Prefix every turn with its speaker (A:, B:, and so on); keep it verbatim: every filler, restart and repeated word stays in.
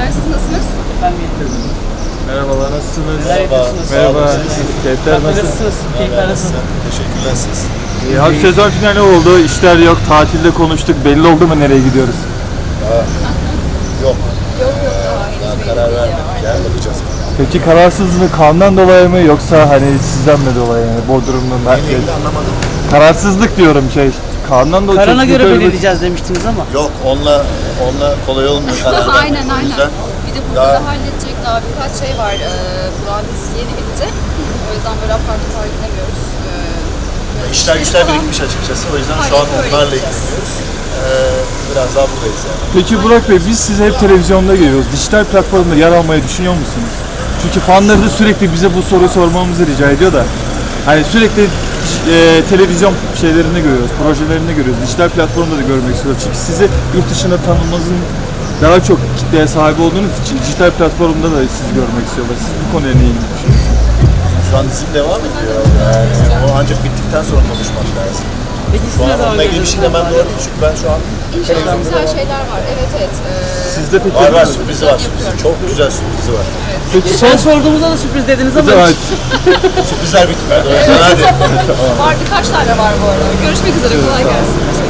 A: Teşekkürler. Siz nasılsınız?
B: Efendim getirdim.
C: Merhabalar, nasılsınız?
B: Merhaba.
C: Merhaba. Keyifler nasıl?
B: Nasılsınız? Keyifler nasıl?
D: Teşekkürler siz.
C: İyi, hafif sezon finali oldu, işler yok, tatilde konuştuk. Belli oldu mu nereye gidiyoruz?
D: Yok.
A: Yok yok daha henüz
D: Daha
A: belli
D: karar
A: değil
D: vermedik.
A: ya.
D: Yani bakacağız.
C: Peki kararsızlığı kandan dolayı mı yoksa hani sizden mi dolayı yani Bodrum'un merkez?
D: Neyle anlamadım.
C: Kararsızlık diyorum şey. Kandan dolayı.
B: Karana
C: çok
B: göre
C: yukarı-
B: belirleyeceğiz demiştiniz ama.
D: Yok onunla onunla kolay olmuyor karar vermek.
A: Aynen
D: O
A: aynen.
D: yüzden
A: Bir de burada
D: daha-
A: da halledecek daha birkaç şey var. Ee, Burak'ın dizisi yeni bitti. O yüzden böyle apar topar gidemiyoruz. Ee,
D: işler güçler
A: falan-
D: birikmiş açıkçası. O yüzden şu an
A: Aynen öyle
D: onlarla
A: gideceğiz.
D: ilgileniyoruz. Ee, biraz daha buradayız yani.
C: Peki Burak Bey, biz sizi hep televizyonda görüyoruz. Dijital platformda yer almayı düşünüyor musunuz? Çünkü fanları da sürekli bize bu soruyu sormamızı rica ediyor da. Hani sürekli e, televizyon şeylerinde görüyoruz, projelerinde görüyoruz. Dijital platformda da görmek istiyoruz. Çünkü sizi yurt dışında tanınmanızın daha çok kitleye sahip olduğunuz için dijital platformda da sizi görmek istiyorlar. Siz bu konuya ne ilgili?
D: Şu an dizim devam ediyor. Yani o ancak bittikten sonra konuşmak lazım.
B: Peki
D: Şu
B: siz ne
D: an
B: zaman
D: onunla ilgili bir şey demem
B: görüyorsunuz?
D: doğru değil çünkü ben şu an
A: İnşallah güzel şeyler var. Evet evet. Ee,
C: Sizde peki?
D: var var sürprizi var. Sürprizi. Çok güzel sürprizi var.
C: Peki son
B: Sen sorduğumuzda da sürpriz dediniz ama
C: Evet.
D: Sürprizler bitmedi. O yüzden hadi.
A: var birkaç tane var bu arada. Görüşmek üzere. Kolay gelsin.